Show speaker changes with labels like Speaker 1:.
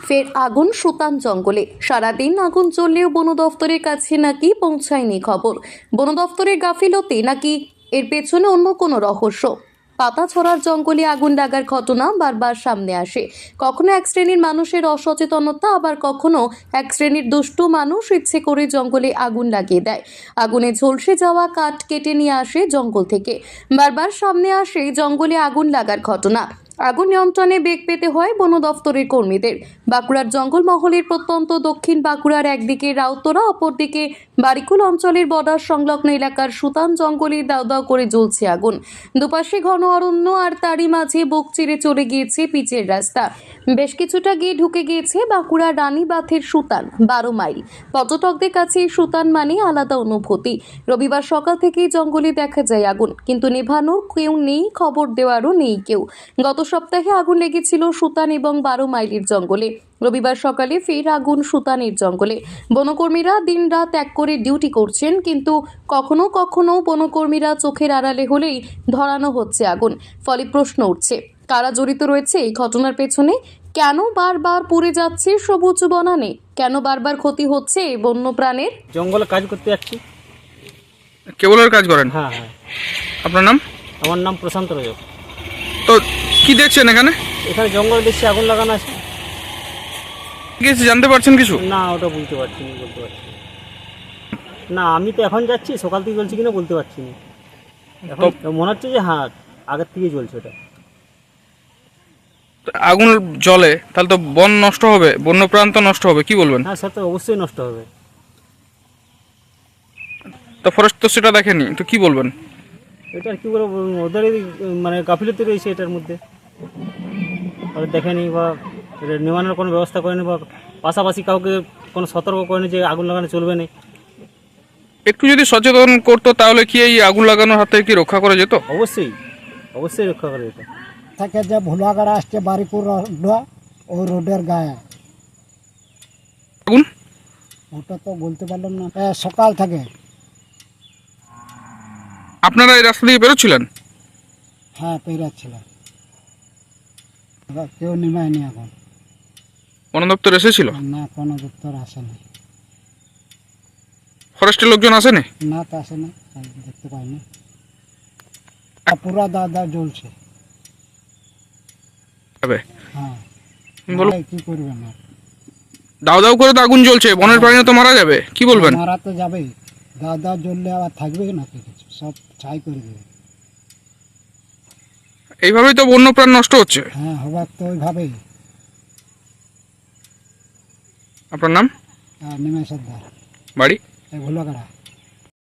Speaker 1: ফের আগুন সুতান জঙ্গলে। সারাদিন আগুন জ্বললেও বন দফতরের কাছে নাকি পৌঁছায়নি খবর। বন দফতরের গাফিলতি নাকি এর পেছনে অন্য কোনো রহস্য? পাতাছড়ার জঙ্গলে আগুন লাগার ঘটনা বারবার সামনে আসে। কখনো এক শ্রেণীর মানুষের অসচেতনতা, আবার কখনো এক শ্রেণীর দুষ্টু মানুষ ইচ্ছে করে জঙ্গলে আগুন লাগিয়ে দেয়। আগুনে ঝলসে যাওয়া কাঠ কেটে নিয়ে আসে জঙ্গল থেকে। বারবার সামনে আসে জঙ্গলে আগুন লাগার ঘটনা। আগুন নিয়ন্ত্রণে বেগ পেতে হয় বন দফতরের কর্মীদের। বাঁকুড়ার জঙ্গলমহলের প্রত্যন্ত দক্ষিণ বাঁকুড়ার একদিকে রাউতরা, অপরদিকে বারিকুল অঞ্চলের বর্ডার সংলগ্ন এলাকার সুতান জঙ্গলে দাউ দাউ করে জ্বলছে আগুন। দুপাশে ঘন অরণ্য, আর তারই মাঝে বুক চিরে চলে গিয়েছে পিচের রাস্তা। বেশ কিছুটা গিয়ে ঢুকে গিয়েছে বাঁকুড়া রানীবাঁধের সুতান 12 মাইল। পর্যটকদের কাছে এই সুতান মানে আলাদা অনুভূতি। রবিবার সকাল থেকেই জঙ্গলে দেখা যায় আগুন, কিন্তু নেভানোর কেউ নেই, খবর দেওয়ারও নেই কেউ। গত সপ্তাহে আগুন লেগেছিল সুতান এবং 12 মাইলের জঙ্গলে। রবিবার সকালে ফের আগুন সুতানের জঙ্গলে। বনকর্মীরা দিনরাত এক করে ডিউটি করছেন, কিন্তু কখনো কখনো বনকর্মীরা চোখের আড়ালে হলেই ধরানো হচ্ছে আগুন। ফলে প্রশ্ন উঠছে, কারা জড়িত রয়েছে এই ঘটনার পেছনে? কেন বারবার পুড়ে যাচ্ছে সবুজ বনানে? কেন বারবার ক্ষতি হচ্ছে বন্য প্রাণের?
Speaker 2: জঙ্গলে কাজ করতে যাচ্ছি।
Speaker 3: কেবলের কাজ করেন?
Speaker 2: হ্যাঁ হ্যাঁ।
Speaker 3: আপনার নাম?
Speaker 2: আমার নাম প্রশান্ত রজক।
Speaker 3: তো কি দেখছেন এখানে?
Speaker 2: এখানে জঙ্গল দেখছি আগুন লাগানো আছে।
Speaker 3: কিছু জানতে পারছেন কিছু?
Speaker 2: না, ওটা বলতে পারছি না, বলতে পারছি না। না, আমি তো এখন যাচ্ছি, সকাল থেকে জ্বলছি কিনা বলতে পারছি না। এখন মনে হচ্ছে যে হ্যাঁ, আগের থেকেই জ্বলছে ওটা।
Speaker 3: আগুন জ্বলে তাহলে তো বন নষ্ট হবে, বন্যপ্রাণ তো নষ্ট হবে, কি বলবেন?
Speaker 2: হ্যাঁ, সেটা তো অবশ্যই নষ্ট হবে।
Speaker 3: তো ফরেস্ট তো সেটা দেখেনি, তো কি বলবেন?
Speaker 2: এটা কি বলবো, ওদেরই মানে গাফিলতি রয়েছে এটার মধ্যে। ওরা দেখেনি বা এটা নিবানোর কোনো ব্যবস্থা করেনি, বা পাশাপাশি কাউকে কোনো সতর্ক করেনি যে আগুন লাগানো চলবে না।
Speaker 3: একটু যদি সচেতন করতো তাহলে কি এই আগুন লাগানোর হাত থেকে কি রক্ষা করা যেত?
Speaker 2: অবশ্যই অবশ্যই রক্ষা করে এটা।
Speaker 4: থেকে যে ভোলাগাড়া আসছে বারিপুর রোড, ওই রোডের গায়ে
Speaker 3: আগুন
Speaker 4: ওটা তো বলতে পারলাম না। সকাল থেকে।
Speaker 3: আপনারা এই রাস্তা দিয়ে বেরোচ্ছিলেন?
Speaker 4: হ্যাঁ, পেরাচ্ছিলাম। এবার কেউ নেমায়নি এখন।
Speaker 3: বন দপ্তর এসেছিল?
Speaker 4: না, কোনো দপ্তর আসেনি।
Speaker 3: ফরেস্টের লোকজন আসেনি?
Speaker 4: না, তো আসেনি, দেখতে পাইনি। পুরা দাদা জ্বলছে।
Speaker 3: তবে
Speaker 4: হ্যাঁ,
Speaker 3: বলো।
Speaker 4: কি করবে না,
Speaker 3: দাউ দাউ করে তো আগুন জ্বলছে, বনের প্রাণী তো মারা যাবে, কি বলবেন?
Speaker 4: মারা তো যাবেই। দাদা জ্বললে আবার থাকবে নাকি কিছু? সব ছাই করে দেবে।
Speaker 3: এইভাবেই তো বন্যপ্রাণ নষ্ট হচ্ছে।
Speaker 4: হ্যাঁ, হবার তো ওইভাবেই।
Speaker 3: আপনার নাম?
Speaker 4: নিমেষের ধার,
Speaker 3: বাড়ি?
Speaker 4: ভোলাগাড়া।